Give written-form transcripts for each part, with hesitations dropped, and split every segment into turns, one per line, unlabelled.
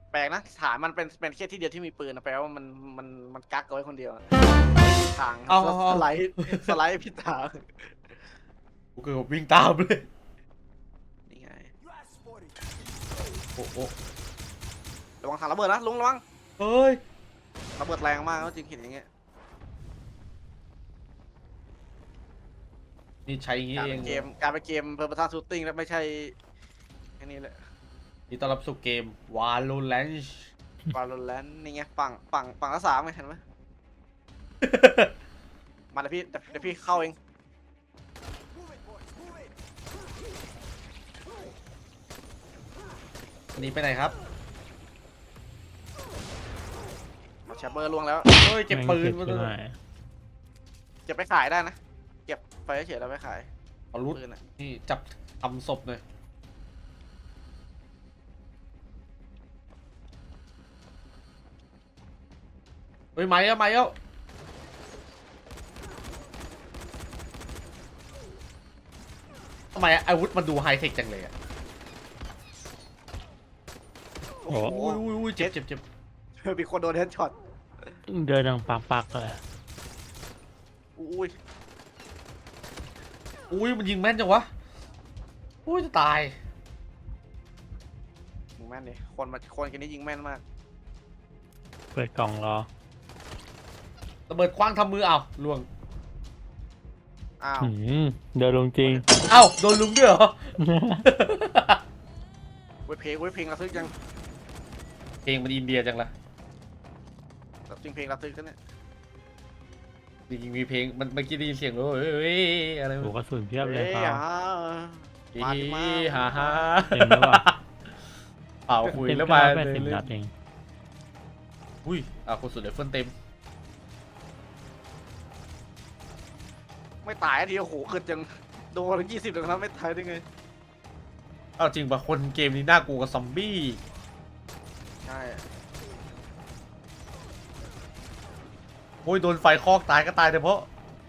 แปลกนะฐานมันเป็นแค่ที่เดียวที่มีปืนนะแปลว่ามันกักเอาไว้คนเดียวทางสไลด์ผิดทาง
กูเกือบวิ่งตามเลย
นี่ไง
โอ้โห
ระวังถังระเบิดนะลุงระวัง
เฮ้ย
ระเบิดแรงมากจริงเห็นอย่างเงี้ย
นี่ใช้อย่างงี้
การ
เอ
เป็
ง
นเกมการเป็นเกมเพอร์เพซัสชูตติ้งแล้วไม่ใช่แค่นี้แหละ
นี่ต้อนรับสู่เกม Valorant
บาโลแรนนี่ไงฝั่งละสามไงเห็นไหมมาเดี๋ยวพี่เข้าเอง
อันนี้ไปไหนครับ
แชปเบอร์ล่วงแล้ว
เฮ้ยเก็บปืนมา
ด้
ด้
ว
วย ย
เก็บไปขายได้นะเก็บไปเฉยๆแล้วไปขาย
เอารุด
ปืนอ่ะ
นี่จับทำศพหน่อยเฮ้ยมาแล้วทำไมอาวุธมันดูไฮเทคจังเลยอ่ะ
โอ้โห
อุ้ยเจ็บ
มีคนโดนเฮดช็อต
เดินดังปักเลย
อุ้ย
อุ้ยมันยิงแม่นจังวะอุ้ยจะตาย
ยิงแม่นดิคนกันนี้ยิงแม่นมาก
เปิดกล่องรอ
ระเบิดคว้างทำมือเอาล่วง
อ้าว
เดินลงจริง
เอ้าโดนลุมด้วยเหรอ
เว้ยเพลงระทึกจัง
เพลงมันอินเดียจังละ
จริงเพลงระทึกกันเนี่ย
จริงๆมีเพลงมันเมื่อกี้ได้ยินเสียงเลยเฮ้ยอะไร
โอ้กระสุนเพียบเลย
เอ้ย
เปล่า
มาดิมา
ฮ่าฮ่า
เต็มแล้วอ่ะ
เป่าคุย
เต็ม
แล้ว
เก้า
มา
80 นัดเอง
อุ้ยคนสุดเลยเฟิร์นเต็ม
ไม่ตายทีโอ้โหเกิดจังโดนถึง20เลยนะไม่ตายได้ไง
เอาจริงป่ะคนเกมนี้น่ากลัวกับซอมบี้
ใช่
โอ้ยโดนไฟคอกตายก็ตายแต่เพราะ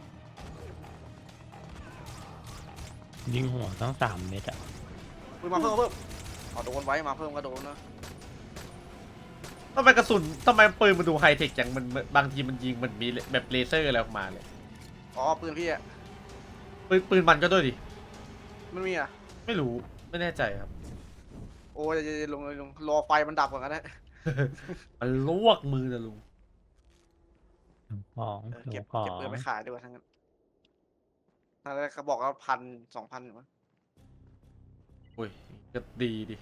ยิงหัวทั้ง3 เม็ดอ่ะ
มาเพิ่มเอาโดนไว้มาเพิ่มก็โดนนะ
ทำไมกระสุนทำไมปืนมันดูไฮเทคจังมันบางทีมันยิงมันมีแบบเลเซอร์อะไรออกมาเลย
อ๋อปืนพี่อะ
ปืนมันก็ด้วยดิ
มันมีอะ
ไม่รู้ไม่แน่ใจครับ
โอ้ยลงรอไฟมันดับก่อนก็ได้
มันลวกมือนะลุง
ของ
เก็บ
ของ
ปืนไปขายดีกว่าทั้งนั้นถ้าเขาบอกว่า1,000 2,000อยู่มั้ง
โอ้ยก็ดีดิ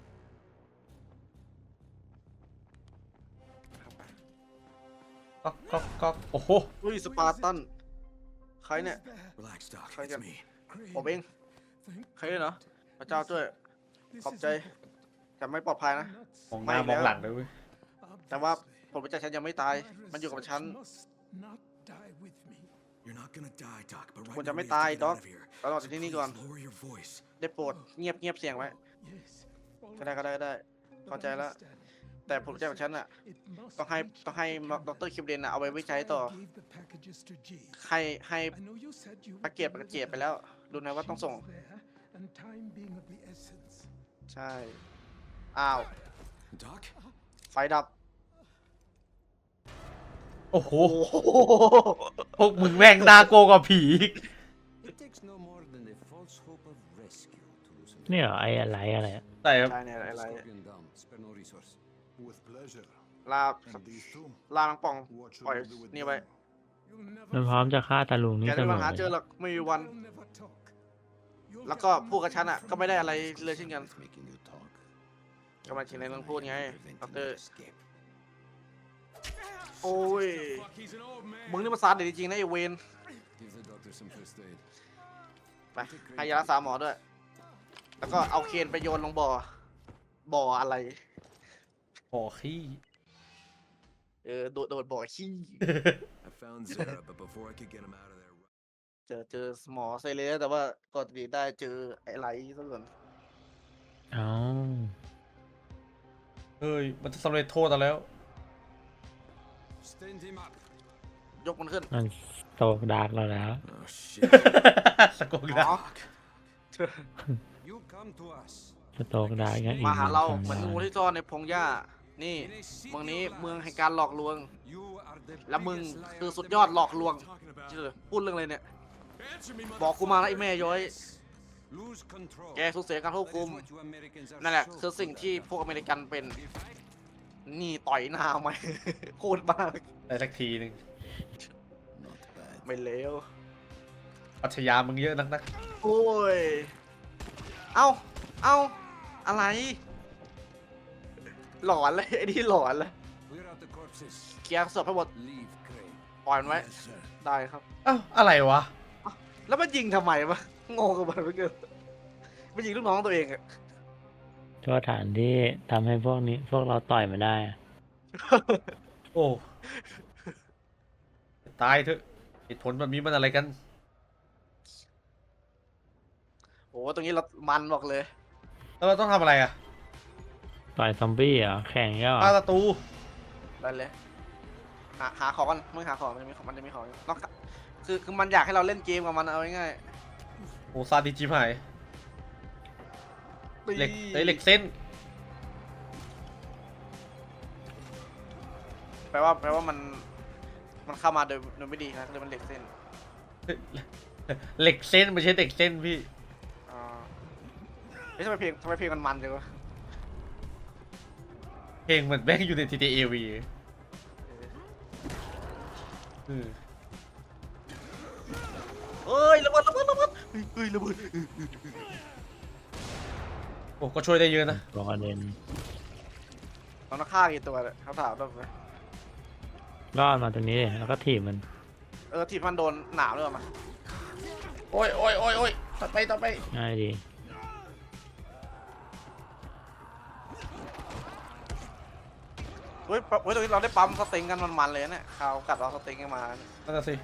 ก็โอ้โห
อุ้ยสปาร์ตันใครเนี่ย
Relax, Doc.
Try
It's
again.
me.
ผมเองใครเนี่ยเหรอพระเจ้าช่วยขอบใจแต่ไม่ปลอดภัยนะ
มองหน้ามองหลังเลยเว้ย
แต่ว่าผมประจักษ์ฉันยังไม่ตายมันอยู่กับฉัน
You're not gonna die, Doc. But
คุณ
right
จะ
now
ไม่
we have
ตาย
to get
ด็อ
out
ก
of here.
เราออกจากที่นี่ก่อน
Lower your voice.
ได้โปรดเงียบเสียงไว้ก็ได้เข้าใจแล้วแต่ผมจะของฉันอ่ะต้องให้ดรคิวเดนเอาไว้วิจัยต่อให้แพ็กเกจไปแล้วดูนะว่าต้องส่งใช่อ้าว
Doc?
ไฟดับ
โอ้โห
โอ้โห
พวกมึงแม่งน่ากลัวกว่าผีอีก
It takes no more than a false hope of rescue to loosen
เนี่ยเหรอไอ้อะไรอะไรอะ
แต่ครับ
ใช่เนี่ยอะไร
Scorpion down. Spare no resource.
With pleasure.
ลา
And these two,
มังป่อง
what should
ปล่อย
we do with
นี่ไว้
them?
มันพร้อมจะฆ่าตาลุง
แก
นี่เส
จะ
ม
มา
อ
หา
เล
เจอย หรอกไม่มีวัน แล้วก็พูดกับฉันอ่ะก็ไม่ได้อะไรเลยเช่นกัน
Making you talk.
ก็มาถึงในเรื่องพูดไง
Preventing
ดอกเตอ
your
ร์
escape.
โอ้ยมึงนี่มาซาดเด็ดจริงๆนะไอเวน
Give the doctor some first aid.
ไปให้ยารักษาหมอด้วย แล้วก็เอาเคนไปโยนลงบ่ออะไร
โอ้ขี้
โดดบ่อขี้
I found Zara, but before I could get him out of there,
เจอหมอไซเลสแต่ว่าก่อนดีได้เจอไอ้ไรซะก่อน
เอ้า
เฮ้ยมันจะสำเร็จโทษเราแล้ว
Stand him up.
ยกมันขึ้น
มันโตกดาร์กเราแล้ว
oh shit.
สะกดนะ
อ๋อ
You come to us.
จะโตกดาร์กยังอีก
มาหาเรา
1
เหมือนงู
ชั่วโมง
ที่ซ่อนในพงหญ้านี่เมืองนี้เมืองแห่งการหลอกลวง
You are the
และมึง
biggest
คือ
liar
สุดยอดหลอกลวงพูดเรื่องอะไรเนี่ย
Answer me,
บอกกูมานะไอ้แม่ย้อย
lose control.
แกสูญเสียการควบ
That
คุม
is what you Americans are
นั่นแหละ
so
คือสิ่ง
good
ที่
at.
พวกอเมริกันเป็น
If I
นี่ต่อยหน้าไหม โคตรบ้า
ได้สักทีหนึ่ง
Not bad.
ไม่เลว
ปัชญามึงเยอะนักนะ
โอ้ย เอ้า อะไร หลอนเลยไอ้นี่หลอนเลย
clear out the corpses,
เคลียร์ศพให้หมด
leave Craig.
ปล่อยมันไว้
Yes, sir.
ได้ครับ
เอ้าอะไรวะ
แล้วมันยิงทำไมวะงงกับมันไปเกินมันยิงลูกน้องตัวเองอะ
โทษฐานที่ทำให้พวกเราต่อยมาได้อะ
โอ้ตายเถอะเหตุผลแบบนี้มันอะไรกัน
โอ้ตรงนี้เรามันบอกเลย
แล้วเราต้องทำอะไรอ่ะ
ต่อยซอมบี้เหรอแข่งเงี้ยเหรอ
ฆ่าศัตรู
ได้เลย หาของกันมึงหาของมันจะมีของอยู่นอกจากคือมันอยากให้เราเล่นเกมกับมันเอาง่าย
โอ้ซาดิจิมหาย
ๆ
เหล็กเหล็กเส้น
แปลว่ามันเข้ามาโดยไม่ดีนะเลยมันเหล็กเส้น
เหล็กเส้นไม่ใช่เด็กเส้นพี่
อ่าเฮ้ยทำไมเพลงมันจังวะ
เพลงเหมือนแม่งอยู่ใน TTAV
เอ้ยระเบิดเฮ้ยระเบิด
โอ้ก็ช่วยได้เยอะนะ
บอกประเด็น
เราต้องฆ่ากี่ตัวเนี่ยเขาถามเราไหม
รอดมาตรงนี้ดิแล้วก็ถีบมัน
ที่มันโดนหนามด้วยมา
โอ้ยต่อไป
ง่ายดี
เฮ้ยตรงนี้เราได้ปั๊มสเต็งกันมันเลยเนี่ยเขากัดเราสเต็งกันมาเนี่ย
นั่นนะสิ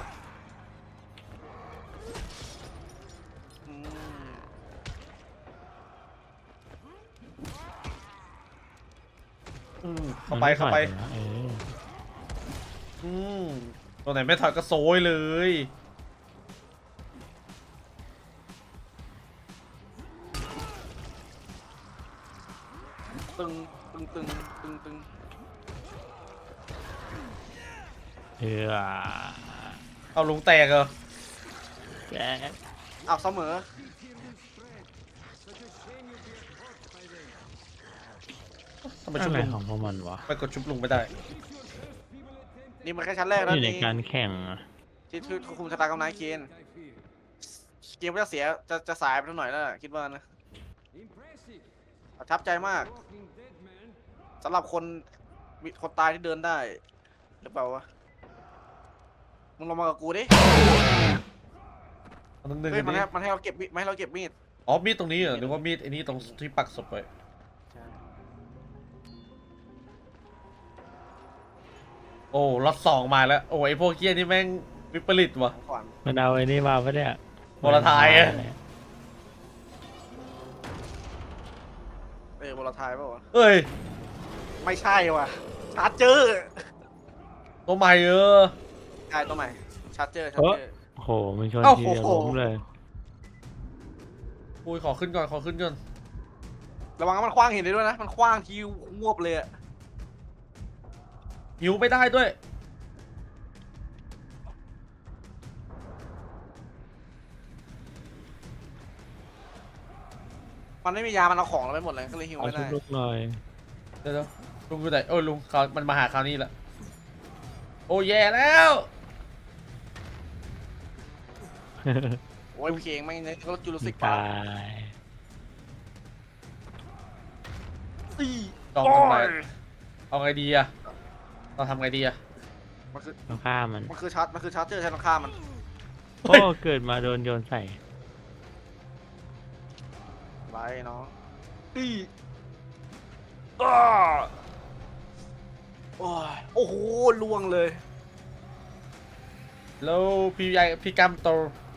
อืม
เข้าไป
มันม่ถอยนะ
อืมตัวไหนไม่ถอยก็โซยเลย
ตึง
เออ
เอาลุงแตกเหรอ
แก
เอาเสมอ
ทำไม
อะ
ชุบ
ไร
ลุง
ของพวกมันวะ
ไปกดชุบลุงไม่ได้
นี่มันแค่ชั้นแรก
อ
นะ
ยู่ใน
นี่
การแข่งอะ
ที่คุมชะตากรรมนายเคนเกมก็จะเสียจะสายไปหน่อยแล้วคิดว่านะ
Impressive.
ประทับใจมาก
Walking dead man.
สำหรับคนตายที่เดินได้หรือเปล่าวะมึงลงมากับกูดิ
เอาหนึ่ง
เฮ้ย
อัน
มัน
นี้
ให้เราเก็บมีดไม่ให้เราเก็บมีด
อ๋อมีดตรงนี้เหรอหรือว่ามีดไอ้นี่ตรงที่ปักศพไว้โอ้ล็อตสองมาแล้วโอ้ไอพวกเกี้ยนี่แม่งวิปริตว่ะ
ก่อน
มันเอาไอ้นี่มาปะเนี่ย
โมลทายอะ
โบราณไทยเปล่าวะ
เอ้ย
ไม่ใช่ว่ะชาร์เจอร์
ตัวใหม่
ใช่ตัวใหม่ชาร์เจอร์
โอ้โหมันชนทีเดียวล้มเลย
อุ้ยขอขึ้นก่อน
ระวังมันคว้างหินได้ด้วยนะมันคว้างทีงวบเลยอะ
หิวไม่ได้ด้วย
มันไม่มียามันเอาของเราไปหมดเลยก็เลยหิว
เอา
ไม่
ชุ
ได้
บลูกหน่อย
เดี๋ยวลุงอยู่ไหนโอ้ยลุงเขามันมาหาคราวนี้แหละโอ้แย่แล้ว
โอ้ยเพลงไม่งเนี่ยก็จูรุสิก
ตา
ปาร์
ย
ตี
จองทำไมเอาไงดีอะเราทำไงดีอะ
มันคือ
ต้องฆ่ามัน
มันคือชาร์เจอร์ใช้ต้องฆ่ามัน
โอ้เกิดมาโดนโยนใส่
ไรเนาะโอ้โหล่วงเลย
แล้วพี่ใหญ่พี่กัมโต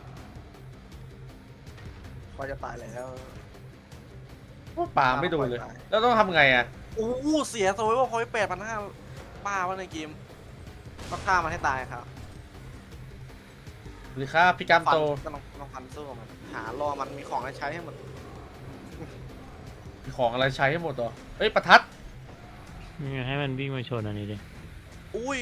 พอจะตายแล้ว
ป่าไม่โดนเลย แล้วต้องทำไงอะ
โอ้โหเสียโซยว่าพอย8,500บ้าวะในเกมต้องฆ่ามันให้ตายครับ
หรือค่าพี่กัม
ฟัน
โต
ก็ต้องฟันสู้กับมันหารอมันมีของให้ใช้ให้หมด
มีของอะไรใช้ให้หมดเหรอเอ้ยประทัด
นี่ไงให้มันวิ่งมาชนอันนี้ดิ
อุ้ย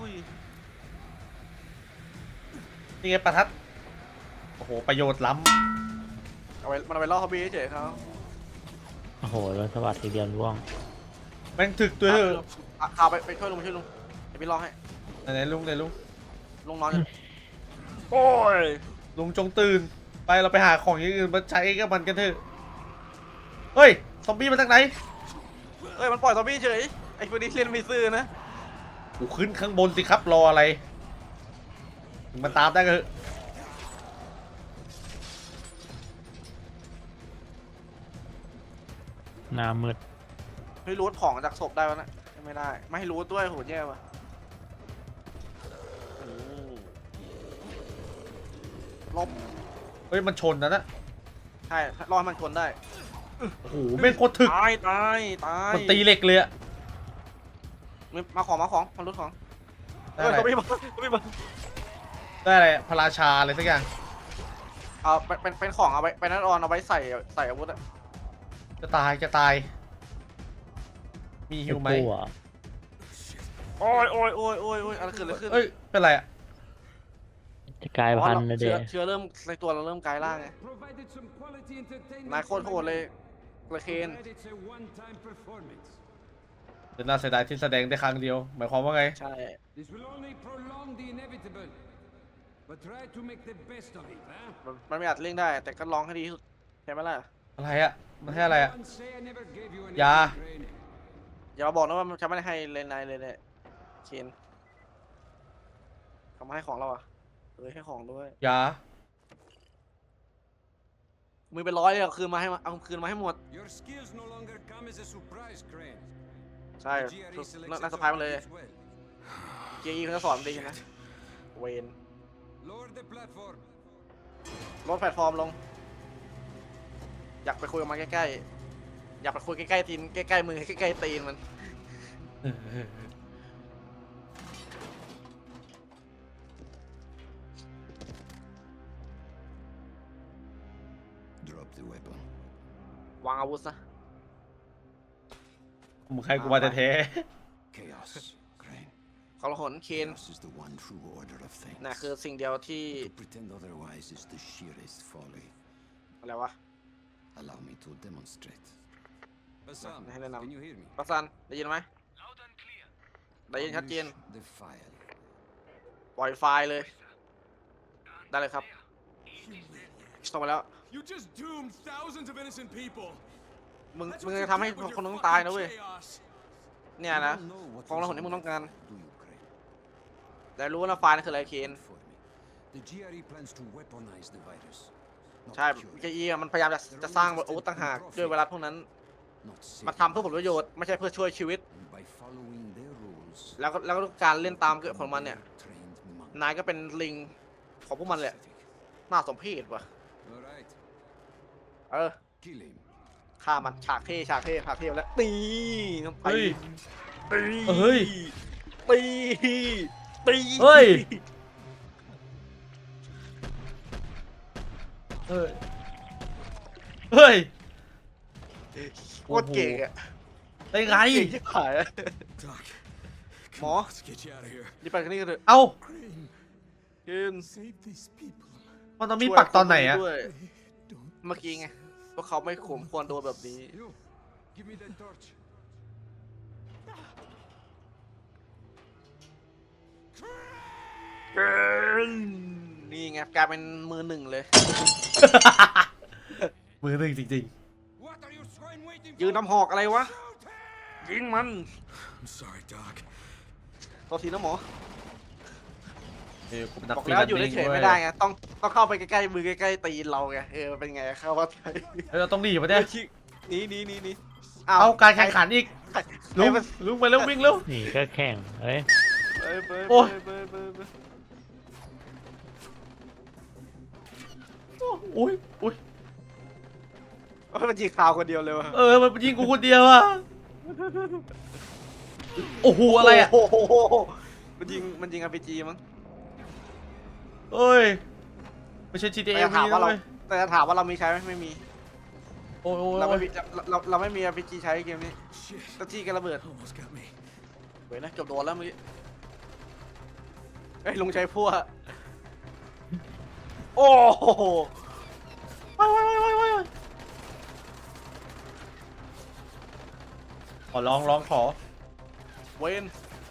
นี่ไงประทัดโอ้โหประโยชน์ล้
มันเอาไปล่อฮอบบี้เฉยๆเขา
โอ้โหแล้วสวัสดทีเดียวร่วง
ำแม่งถึกตัวเถอะ
ข่าวไปช่วยลุงเดี๋ยวพี่ล่อให้
ไหนลุง
ลุงนอนอยู่โอ้ย
ลุงจงตื่นไปเราไปหาของอย่างอื่นมาใช้กับมันกันเถอะเฮ้ยซอมบี้มาจากไหน
เอ้ยมันปล่อยซอมบี้เฉยไอ้พวกนี้เล่นไม่ซื่อนะ
กูขึ้นข้างบนสิครับรออะไรมันตามได้ก็เถอะ
หน้ามืด
ให้รูทของจากศพได้ปะนะไม่ได้ไม่ให้รูทด้วยโหแย่ว่ะโอ้ลบ
เฮ้ยมันชนนะ
ใช่รอให้มันชนได้
โอ้โหแม่งโคตรถึก
ตาย
มันตีเหล็กเลยอะ
มาของมันรูทของ
ได้
เอ้ย
อะไร
เขาไม่มา
ได้อะไรพระราชาอะไรสักอย่าง
เอาเป็นของเอาไว้เป็นนัดออนเอาไว้ใส่อาวุธอะ
จะตายมีฮิวไหม
ไอ้กูอ่ะ
โอ้ยอะไรขึ้น
เอ้ยเป็นไรอะ
จะกลายพันธุ์นะเด็
เชื้อเริ่มในตัวเราเริ่มกลายร่างไง
Provided some quality entertainment.
นายโคตรโหดเลยกระเคน
Glad it's a one-time performance.
เป็นน่าเสียดายที่แสดงได้ครั้งเดียวหมายความว่าไง
ใช่
This will only prolong the inevitable. But try to make the best of it, huh?
มันไม่อาจเลี่ยงได้ แต่ก็ลองให้ดีที่สุดใช่ไหมล่ะ
อะไรอะมันให้อะไรอะ
Don't say I never gave you an
ยา
easy training.
อย่ามาบอกนะว่ามันจะไม่ได้ให้เลนนายเลยเนี่ยเคนเขามาให้ของเราอ่ะให้ของด้วย
ยา
มือเป็นร้อยเลยเอาคืนมาให้หมด
Your skills no longer come as a surprise, Crane.
ใช่
The GRE selects
น่า
its
สะพายมาเลย
opponents well.
เกียร์เขาจะสอนดีนะเวน
Lower the platform.
ลดแพลตฟอร์มลง อยากไปคุยกับมันใกล้ๆอยากไปคุยใกล้ๆตีนใกล้ๆมือใกล้ๆตีนมัน
Drop the weapon.
วางอาวุธซะ
มึงใครกูมาแท้
Chaos, Crane.
เขาละหนเคน
Chaos is the one true order of things.
น่ะคือสิ่งเดียวที่
To pretend otherwise is the sheerest folly.
อะไรวะ
Allow me to demonstrate.
Bassam,
Hey, Lenam.
can you hear me?
ปัสซันได้ยินไหมได้ยินชัดเจน
Unleash the file.
ปล่อยไฟล์เลย ได้เลยครับส่งไปแล้ว
You just doomed thousands of innocent people.
มึง
That's
มึง
what
จะ
you
ทำให้
did with
คน
your
ต้องตาย
fucking
นะเว้ย
chaos.
เนี่ยนะ
You don't know what
ของเรา
is
คนที่มึงต้องการ
Do you, Crane?
แต่รู้นะไฟล์นั่นคืออะไรเคน
For me. The GRE plans to weaponize the virus. Not
ใช่
cure it.
เกียมันพยายามจะสร้างอาวุธต่างหากด้วยเวลาพวกนั้น
Not
มา
save
ทำเพื่อผลประโยชน์ไม่ใช่เพื่อช่วยชีวิต
And by following their rules,
แล้วก็การเล่นตามเกิดของมันเนี่ย
trained monk.
นายก็เป็นลิงของพวกมันแหละ น่าสมเพชว่ะ
All right.
เออ
Kill him.
ฆ่ามันฉากเท่แล้วตีน้ำไป
เฮ้ย
ตี
เฮ้ย
ตีตี
เฮ้ย เฮ้ย
โคตรเก่งอะ
ได้ไง
เก่งที่ขายอะ
Doc,
Mo?
let's get you out of here.
นี่ไปกันนี่กันเถอะ
เอ้า
Crane,
ยืน
save these people.
มันต้องมีปักตอนไหนอะ
ด้วย
Don't
เมื่อกี้ไงพวกเขาไม่ข่มควรโดนแบบนี้
You, give me that torch.
นี่ไงกลายเป็นมือหนึ่งเลย
มือหนึ่งจริง
What are you swine waiting
ยืน
for?
น้ำหอกอะไรวะ ยิงมัน
I'm sorry, Doc.
โทษทีนะหมอ
ๆกูเป็นนัก
บอก
ฟรี
แล้ว
แลนซ์
อยู่เฉยๆไม่ได้ไงต้องเข้าไปใกล้ๆมือใกล้ๆตีนเราไงเป็นไงเข้าว่าไง
เฮ้ยเราต้องหนีปะเนี่ย
นี่
เอาการแข่งขันอีก ลุง
ไป
ลุงไปเร็ววิ่งเร็ว
นี่ก็แข่งเอ้ย
โอ้ย อุ้ยอุ้ย
มันยิงข่าวคนเดียวเลยวะ
มันยิงกูคนเดียวอะโอ้โหอะไรอะ
โอ้โหมันยิง RPG มั้ง
เอ้ยไม่ใช่ GTA
แต่จะถาม
นะ
ว่าเรา
เว้ย
แต่จะถามว่าเรามีใช้ไหมไม่มี
โอ้ยโอ้ย
เรา
โอ้
ไม่
ย
มีเราไม่มี RPG ใช้เกมนี้
Shit.
ตะที่กันระเบิด
Almost got me.
เว้ยนะเกือบโดนแล้วเมื่อกี้เอ้ยลุงใช้พั่วโอ้โห
ขอร้องขอ
เวน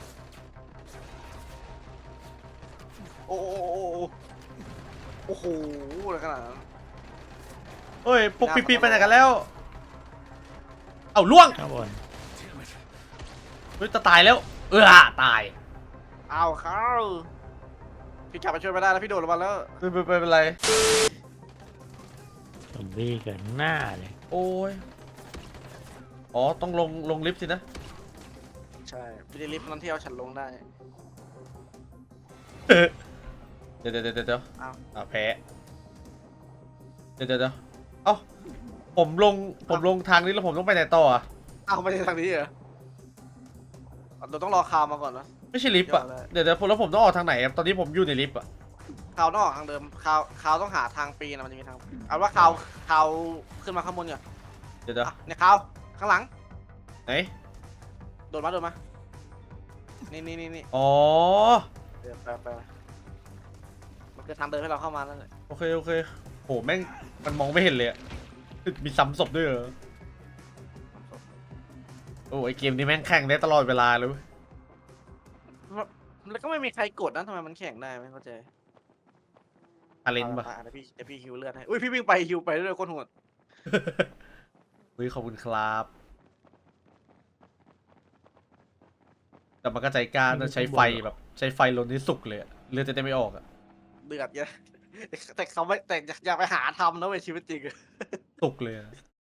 โอ้โหโอ้โหอะไรขนาดนั้น
เฮ้ยพวกปีๆไปไหนกันแล้ว เอาล่วง
ข้างบน
Damn it.
เฮ้ยจะตายแล้ว ตาย
เอาเขาพี่กลับมาช่วยไม่ได้แล้วพี่โดดลงมาแล้ว
ไม่เป็นไร
ซอมบี้เกิดหน้าเลย
โอ้ย อ๋อ ต้องลงลิฟต์สินะ
ใช่ไม่ได้ลิฟต์นั้นที่เอาฉันลงได้
เดี๋ยว
เอา
แพ้เดี๋ยวเอ้าผมลงทางนี้แล้วผมต้องไปไหนต่ออ่ะ
เอาไม่ใช่ทางนี้เหรอเราต้องรอคาวมาก่อนนะ
ไม่ใช่ลิฟต์อ่ะ เดี๋ยวแล้วผมต้องออกทางไหนอะตอนนี้ผมอยู่ในลิฟต์อ่ะ
คาวนอกทางเดิมคาวต้องหาทางปีนนะมันจะมีทางเอาว่าคาวขึ้นมาข้างบนก่อน
เดี๋ยว
อ่ะเนี่ยคาวข้างหลัง
ไหน
โดดมานี่
อ๋อ
เดี๋ยวไปมันคือทางเดินให้เราเข้ามาแล้วเลย
โอเคโหแม่งมันมองไม่เห็นเลยอะมีซ้ำศพด้วยเหรอ โอ้ไอเกมนี้แม่งแข่งได้ตลอดเวลาเลยเว้ย
แล้วก็ไม่มีใครกดนะทำไมมันแข่งได้ไม่เข้าใจ
อาเลนปะ
เดี๋ยวพี่ฮิวเลือดให้อุ้ยพี่วิ่งไปฮิวไปเรื่อยๆโคตรโหด
เฮ้ยขอบคุณครับ แต่มันก็ใจกล้านะใช้ไฟแบบใช้ไฟลนที่สุกเลยอะเลือดจะได้ไม่ออกอะ
เดือดเยอะแต่เขาไม่แต่อยากไปหาทำนะเว้ยชีวิตจริง
สุกเลยอะ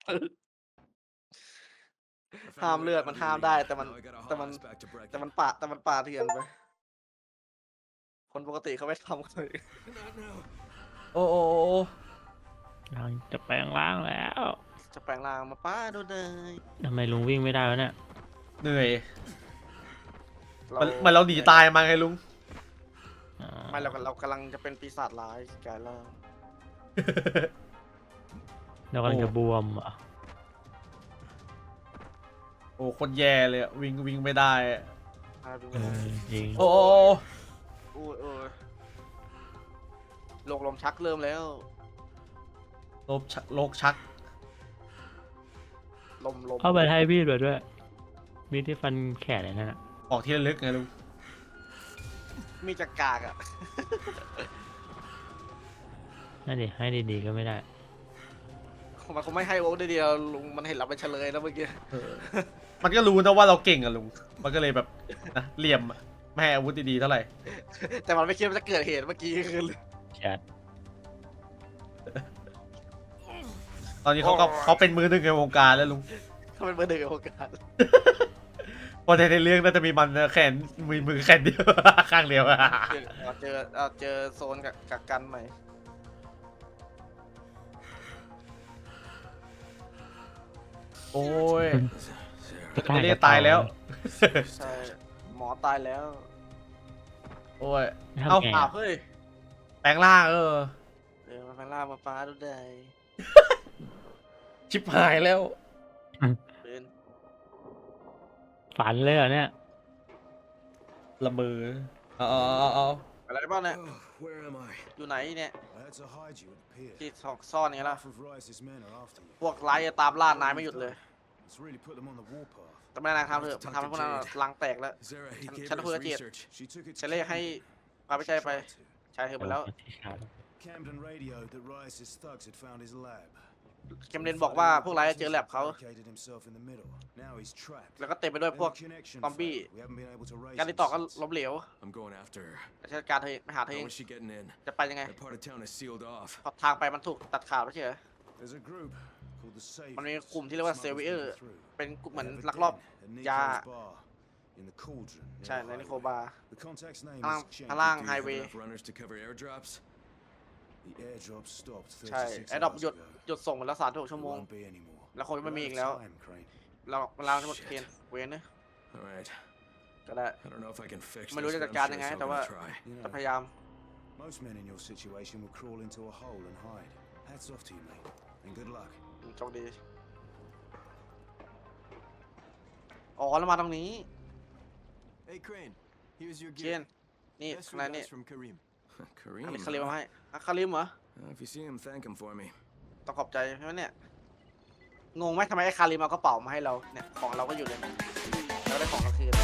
I
ห้าม
found a
เลื
way
อด
out
มัน
of
ห้าม
here.
ได้แต่
Now I gotta
แต่มัน
haul this back to Brecken.
แต่มันป่าเถื่อนไปคนปกติเขาไม่ทำกันเลย
Not now.
โอ้
เราจะแปลงร่างแล้ว
จะแปลงร่างมาป้าดูเลย
ทำไมลุงวิ่งไม่ได้วะเนี่ย
เหนื่อยมันเราหนีตายมาไงลุง
อ๋อ
ไม่เรากำลังจะเป็นปีศาจร้ายกลายร่าง
เรากำลังจะบวมเหรอ่ะ
โอ้คนแย่เลยอะวิ่งไม่ได้อะ
ดู
จริง
โอ้
โรคลมชักเริ่มแล้ว
โลกชัก
ลม
เข้าไปให้มีดมาด้วยมีดที่ฟันแขนเลยนั่นน่ะ
ออกที่ระลึกไงลุง
มีจักกากอ่ะ
นั่นดิให้ดีๆก็ไม่ได้
มันคงไม่ให้โอ๊คได้เดียวลุงมันเห็นเราเป็นเฉลยแล้วเมื่อกี้
มันก็รู้นะว่าเราเก่งอะลุง มันก็เลยแบบนะเหลี่ยมอะไม่ให้อาวุธดีๆเท่าไหร่
แต่มันไม่คิดว่าจะเกิดเหตุเมื่อกี้คือ
ชัด
ตอนนี้เขาเป็นมือหนึ่งในวงการแล้วลุง
เขาเป็นเบอร์หนึ่งในโอกาส
เพราะในเรื่องน่าจะมีมันนะแขนมือแขนเดียว ข้างเดียวอะ
เจอโซนกักกันใหม่
โอ้ย
จะ
ไม่ได้ตายแล้ว
ใช่หมอตายแล้ว
โอ้ย
ทำ
เอ้า
ไง
อ้าว
อะ
เฮ้ย
แปลงร่าง
มาแปลงร่างมาป้าดูได้
ชิบหายแล้ว
เป็น
ฝันเลยเหรอเนี่ย
ละมือเอา
อะไรบ้างเนี่ย
Oh, where am I?
อยู่ไหนเนี่ย
I had to hide you, it appears.
ที่ซ่อนนี่ล่ะ
Half of Rice's men are after you.
พวกไล่ตามล่านายไม่หยุดเลย
Let's really put them on the warpath.
แต่ไม่นานทำเถอะมันทำให้พวกนั้นลังแตกแล้ว
Zara, he gave
ฉัน
her
คุย
his
กับเจด
research.
She took it to
ฉันเลยให้
Camden.
พาไปใช้ไป
Tried to.
ใช้เธอไปแล้ว
Camden radioed that Rice's thugs had found his lab.
เคมเดนบอกว่าพวกไล่เจอแลบเขา
Barricaded himself in the middle. Now he's trapped.
แล้วก็เต็มไปด้วย
Then
พวก
the connection
ซอมบี้
failed. We haven't been able to raise
การติดต่อก็
him since.
ล้มเหลว
I'm going after her.
แต่จัดการเธอไปหาเธอเอ
How
ง
is she getting in?
จะไปยังไง
That part of town is sealed off.
เพราะทางไปมันถูกตัดขาดไม่ใช่เหรอ
There's a group called the Saviors.
มันมีกลุ่มที่เรียกว่า
Smugglers
Savior
going through.
เป็นกลุ่มเหมือน
They have a
ลักลอบ
den at
ยา
Nico's bar in the Cauldron. near
ใช่
the
ในนิโค
highway.
บาร์
The contact's name
ข้างล่าง
is Chen.
ข้างล่าง
Do you
ไฮ
have
เวย์
enough runners to cover airdrops?
The airdrop stopped
ใช่
36
ไอ้ดอก
hours
หยุด
ago.
หยุดส่งไปแล้ว36 ชั่ว
There
โมง
won't be any more.
แล้วคงจะไม่มี
We're
อี
out
กแล้ว
of time, Crane.
เราเวลาจะหมดเกณฑ์เวนนะ
All right.
ก็ได้
I don't know if I can fix
ไม่
this,
รู้จะ
but
จัด
I'm
การ
sure
ยังไง
still
แต่ว่า
gonna try.
You
จะ
know,
พยายาม
most men in your situation would crawl into a hole and hide. Hats off to you, mate. And good luck.
โชคดีอ๋อแล้วมาตรงนี้
Hey, Crane. Here's your
เช
gear.
นนี่
Best
ข้างในนี่
regards from Kareem.
อันนี้
Kareem.
คาริม
huh?
มาให้อ่ะคาริมเหรอ
If you see him, thank him for me.
ต้องขอบใจใช่ไหมเนี่ย งงไหมทำไมไอ้คาริมเอากระเป๋ามาให้เรา เนี่ย ของเราก็อยู่เลยนะเราได้ของกลางคืน